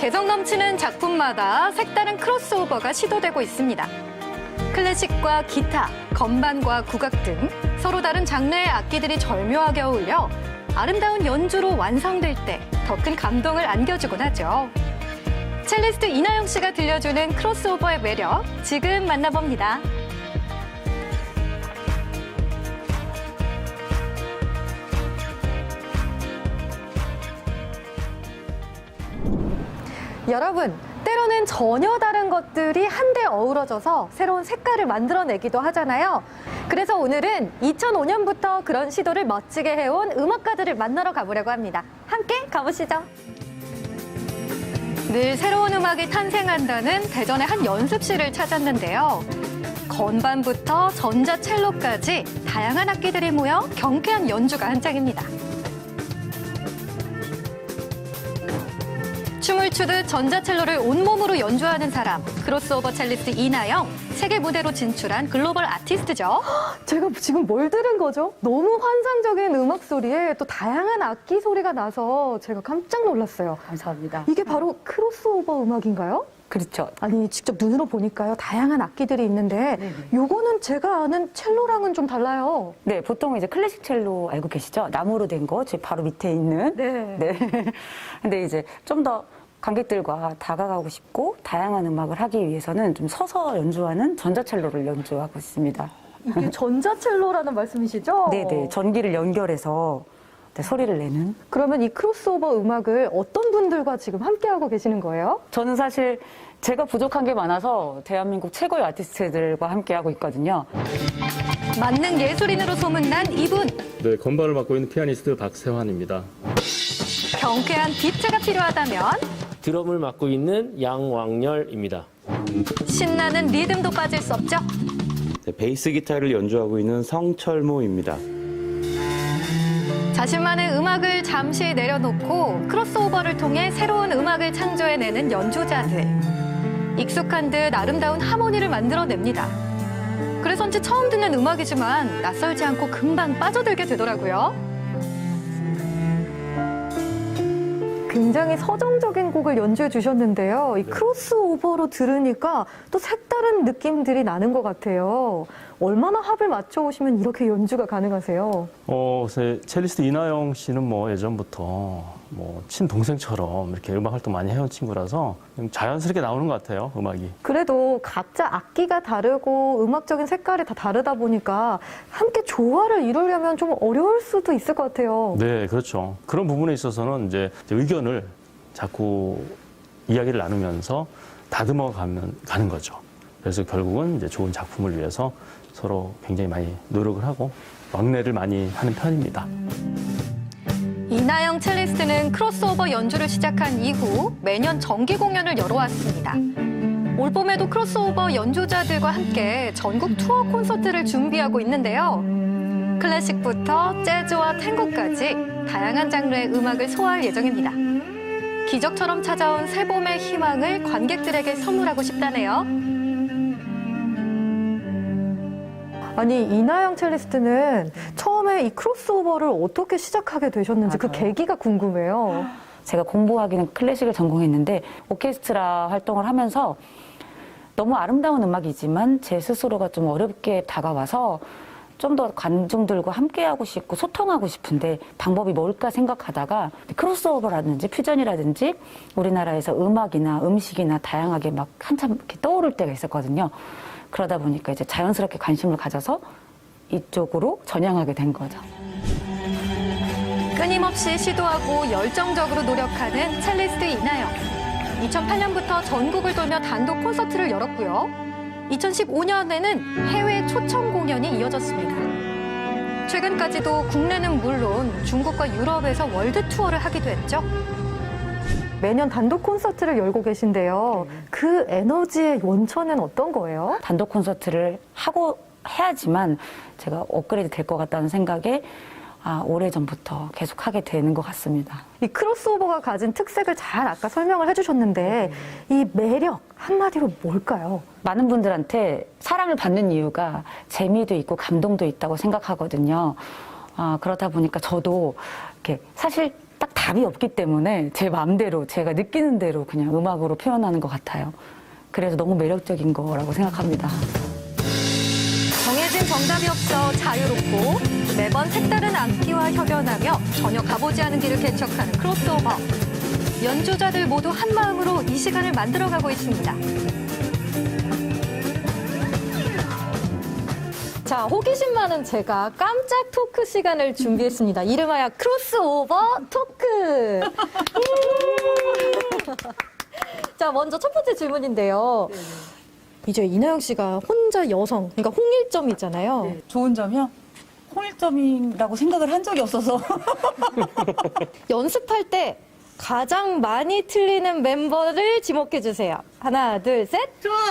개성 넘치는 작품마다 색다른 크로스오버가 시도되고 있습니다. 클래식과 기타, 건반과 국악 등 서로 다른 장르의 악기들이 절묘하게 어울려 아름다운 연주로 완성될 때 더 큰 감동을 안겨주곤 하죠. 첼리스트 이나영 씨가 들려주는 크로스오버의 매력, 지금 만나봅니다. 여러분, 때로는 전혀 다른 것들이 한데 어우러져서 새로운 색깔을 만들어내기도 하잖아요. 그래서 오늘은 2005년부터 그런 시도를 멋지게 해온 음악가들을 만나러 가보려고 합니다. 함께 가보시죠. 늘 새로운 음악이 탄생한다는 대전의 한 연습실을 찾았는데요. 건반부터 전자첼로까지 다양한 악기들이 모여 경쾌한 연주가 한창입니다. 춤을 추듯 전자첼로를 온몸으로 연주하는 사람, 크로스오버 첼리스트 이나영, 세계 무대로 진출한 글로벌 아티스트죠. 제가 지금 뭘 들은 거죠? 너무 환상적인 음악 소리에 또 다양한 악기 소리가 나서 제가 깜짝 놀랐어요. 감사합니다. 이게 바로 크로스오버 음악인가요? 그렇죠. 아니, 직접 눈으로 보니까요, 다양한 악기들이 있는데 요거는 제가 아는 첼로랑은 좀 달라요. 네, 보통 이제 클래식 첼로 알고 계시죠? 나무로 된 거, 제 바로 밑에 있는. 네. 네. 근데 이제 좀 더 관객들과 다가가고 싶고 다양한 음악을 하기 위해서는 좀 서서 연주하는 전자첼로를 연주하고 있습니다. 이게 전자첼로라는 말씀이시죠? 네네. 전기를 연결해서 소리를 내는. 그러면 이 크로스오버 음악을 어떤 분들과 지금 함께하고 계시는 거예요? 저는 사실 제가 부족한 게 많아서 대한민국 최고의 아티스트들과 함께하고 있거든요. 만능 예술인으로 소문난 이분. 네, 건반을 맡고 있는 피아니스트 박세환입니다. 경쾌한 비트가 필요하다면 드럼을 맡고 있는 양왕열입니다. 신나는 리듬도 빠질 수 없죠. 네, 베이스 기타를 연주하고 있는 성철모입니다. 자신만의 음악을 잠시 내려놓고 크로스오버를 통해 새로운 음악을 창조해내는 연주자들. 익숙한 듯 아름다운 하모니를 만들어냅니다. 그래서인지 처음 듣는 음악이지만 낯설지 않고 금방 빠져들게 되더라고요. 굉장히 서정적인 곡을 연주해 주셨는데요. 이 크로스오버로 들으니까 또 색다른 느낌들이 나는 것 같아요. 얼마나 합을 맞춰 오시면 이렇게 연주가 가능하세요? 첼리스트 이나영 씨는 뭐 예전부터 뭐 친동생처럼 이렇게 음악 활동 많이 해온 친구라서 자연스럽게 나오는 것 같아요, 음악이. 그래도 각자 악기가 다르고 음악적인 색깔이 다 다르다 보니까 함께 조화를 이루려면 좀 어려울 수도 있을 것 같아요. 네, 그렇죠. 그런 부분에 있어서는 이제 의견을 자꾸 이야기를 나누면서 다듬어 가는 거죠. 그래서 결국은 이제 좋은 작품을 위해서 서로 굉장히 많이 노력을 하고 왕래를 많이 하는 편입니다. 이나영 첼리스트는 크로스오버 연주를 시작한 이후 매년 정기 공연을 열어왔습니다. 올 봄에도 크로스오버 연주자들과 함께 전국 투어 콘서트를 준비하고 있는데요. 클래식부터 재즈와 탱고까지 다양한 장르의 음악을 소화할 예정입니다. 기적처럼 찾아온 새봄의 희망을 관객들에게 선물하고 싶다네요. 아니, 이나영 첼리스트는 처음에 이 크로스오버를 어떻게 시작하게 되셨는지 그 계기가 궁금해요. 제가 공부하기는 클래식을 전공했는데 오케스트라 활동을 하면서 너무 아름다운 음악이지만 제 스스로가 좀 어렵게 다가와서 좀 더 관중들과 함께하고 싶고 소통하고 싶은데 방법이 뭘까 생각하다가 크로스오버라든지 퓨전이라든지 우리나라에서 음악이나 음식이나 다양하게 막 한참 이렇게 떠오를 때가 있었거든요. 그러다 보니까 이제 자연스럽게 관심을 가져서 이쪽으로 전향하게 된 거죠. 끊임없이 시도하고 열정적으로 노력하는 첼리스트 이나영. 2008년부터 전국을 돌며 단독 콘서트를 열었고요. 2015년에는 해외 초청 공연이 이어졌습니다. 최근까지도 국내는 물론 중국과 유럽에서 월드 투어를 하기도 했죠. 매년 단독 콘서트를 열고 계신데요. 그 에너지의 원천은 어떤 거예요? 단독 콘서트를 하고 해야지만 제가 업그레이드 될 것 같다는 생각에 오래전부터 계속 하게 되는 것 같습니다. 이 크로스오버가 가진 특색을 잘 아까 설명을 해주셨는데 이 매력 한마디로 뭘까요? 많은 분들한테 사랑을 받는 이유가 재미도 있고 감동도 있다고 생각하거든요. 그러다 보니까 저도 이렇게 사실 딱 답이 없기 때문에 제 마음대로 제가 느끼는 대로 그냥 음악으로 표현하는 것 같아요. 그래서 너무 매력적인 거라고 생각합니다. 정해진 정답이 없어 자유롭고 매번 색다른 악기와 협연하며 전혀 가보지 않은 길을 개척하는 크로스오버. 연주자들 모두 한 마음으로 이 시간을 만들어가고 있습니다. 자, 호기심 많은 제가 깜짝 토크 시간을 준비했습니다. 이름하여 크로스오버 토크. 자, 먼저 첫 번째 질문인데요. 이제 이나영 씨가 혼자 여성, 그러니까 홍일점이잖아요. 좋은 점이요? 홍일점이라고 생각을 한 적이 없어서. 연습할 때 가장 많이 틀리는 멤버를 지목해 주세요. 하나, 둘, 셋.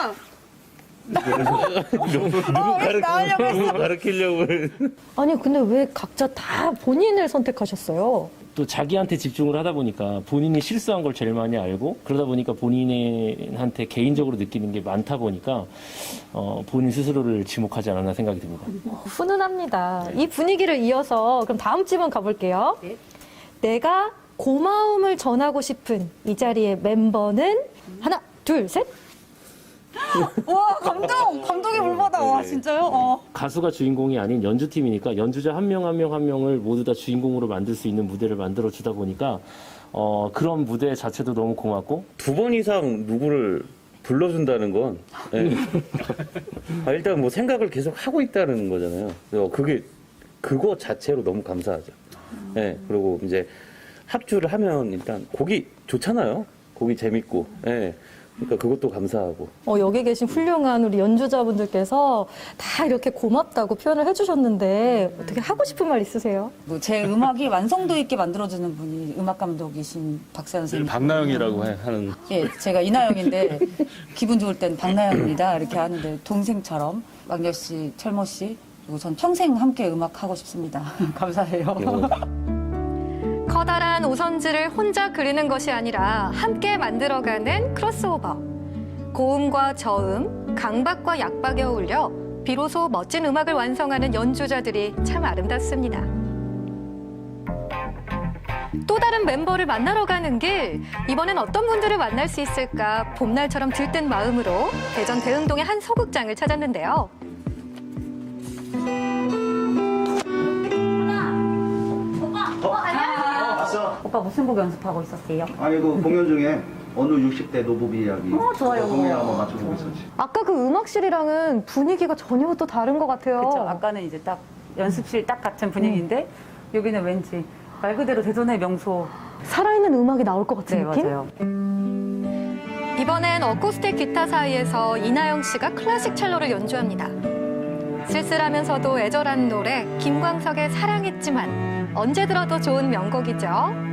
누구 가르치려고. 아니, 근데 왜 각자 다 본인을 선택하셨어요? 또 자기한테 집중을 하다 보니까 본인이 실수한 걸 제일 많이 알고 그러다 보니까 본인한테 개인적으로 느끼는 게 많다 보니까 본인 스스로를 지목하지 않았나 생각이 듭니다. 훈훈합니다. 이 분위기를 이어서 그럼 다음 질문 가볼게요. 내가 고마움을 전하고 싶은 이 자리의 멤버는 하나, 둘, 셋. 와, 감동이 물받아. 와, 진짜요? 가수가 주인공이 아닌 연주팀이니까 연주자 한 명 한 명 한 명을 모두 다 주인공으로 만들 수 있는 무대를 만들어 주다 보니까 그런 무대 자체도 너무 고맙고 2번 이상 누구를 불러준다는 건 일단 뭐 생각을 계속 하고 있다는 거잖아요. 그래서 그거 자체로 너무 감사하죠. 네, 그리고 이제 합주를 하면 일단 곡이 좋잖아요. 곡이 재밌고. 네. 그러니까 그것도 감사하고. 여기 계신 훌륭한 우리 연주자분들께서 다 이렇게 고맙다고 표현을 해주셨는데 어떻게 하고 싶은 말 있으세요? 제 음악이 완성도 있게 만들어주는 분이 음악 감독이신 박세현 선생님. 박나영이라고 하는. 예, 제가 이나영인데 기분 좋을 땐 박나영입니다. 이렇게 하는데 동생처럼 왕열 씨, 철모 씨 그리고 전 평생 함께 음악하고 싶습니다. 감사해요. 커다란 오선지를 혼자 그리는 것이 아니라 함께 만들어가는 크로스오버. 고음과 저음, 강박과 약박에 어울려 비로소 멋진 음악을 완성하는 연주자들이 참 아름답습니다. 또 다른 멤버를 만나러 가는 길, 이번엔 어떤 분들을 만날 수 있을까 봄날처럼 들뜬 마음으로 대전 대흥동의 한 소극장을 찾았는데요. 오빠 무슨 곡 연습하고 있었어요? 아니 그 공연 중에 어느 60대 노부비 이야기 좋아요. 공연 한번 맞춰보고 있었지. 아까 그 음악실이랑은 분위기가 전혀 또 다른 것 같아요. 그렇죠. 아까는 이제 딱 연습실 딱 같은 분위기인데 여기는 왠지 말 그대로 대전의 명소. 살아있는 음악이 나올 것 같은 네, 느낌? 맞아요. 이번엔 어쿠스틱 기타 사이에서 이나영 씨가 클래식 첼로를 연주합니다. 쓸쓸하면서도 애절한 노래 김광석의 사랑했지만 언제 들어도 좋은 명곡이죠.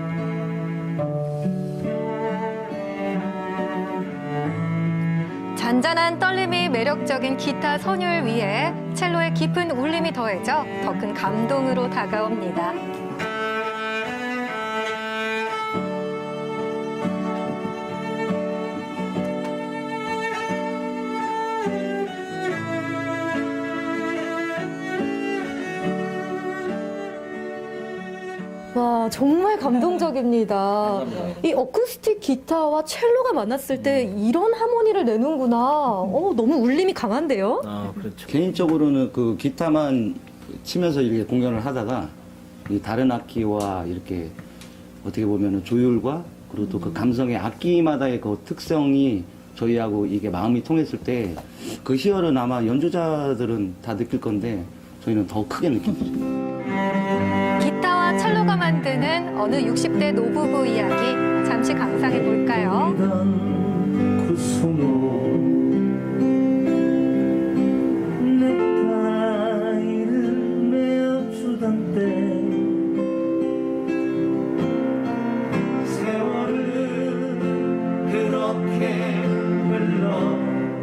잔잔한 떨림이 매력적인 기타 선율 위에 첼로의 깊은 울림이 더해져 더 큰 감동으로 다가옵니다. 와, 정말 감동적입니다. 이 어쿠스틱 기타와 첼로가 만났을 때 이런 하모니를 내는구나. 너무 울림이 강한데요? 아, 그렇죠. 개인적으로는 그 기타만 치면서 이렇게 공연을 하다가 이 다른 악기와 이렇게 어떻게 보면은 조율과 그리고 또 그 감성의 악기마다의 그 특성이 저희하고 이게 마음이 통했을 때 그 희열은 아마 연주자들은 다 느낄 건데 저희는 더 크게 느낍니다. 기타와 첼로가 만드는 어느 60대 노부부 이야기 잠시 감상해 볼까요? 그 수모 넥타이를 메어주던 때 세월은 그렇게 흘러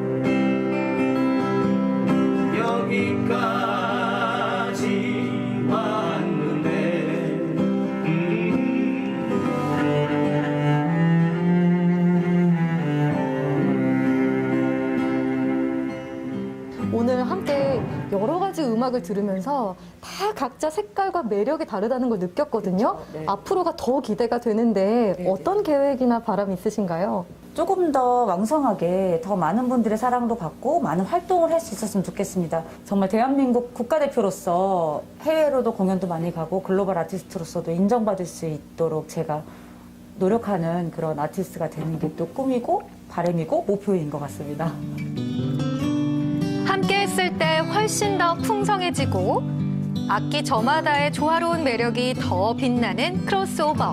여기까지 왔는데 오늘 함께 여러 가지 음악을 들으면서 다 다 각자 색깔과 매력이 다르다는 걸 느꼈거든요. 네. 앞으로가 더 기대가 되는데 네, 어떤 계획이나 바람이 있으신가요? 조금 더 왕성하게 더 많은 분들의 사랑도 받고 많은 활동을 할 수 있었으면 좋겠습니다. 정말 대한민국 국가대표로서 해외로도 공연도 많이 가고 글로벌 아티스트로서도 인정받을 수 있도록 제가 노력하는 그런 아티스트가 되는 게 또 꿈이고 바람이고 목표인 것 같습니다. 함께 했을 때 훨씬 더 풍성해지고 악기 저마다의 조화로운 매력이 더 빛나는 크로스오버.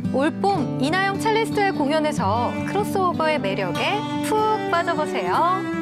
올봄 이나영 첼리스트의 공연에서 크로스오버의 매력에 푹 빠져보세요.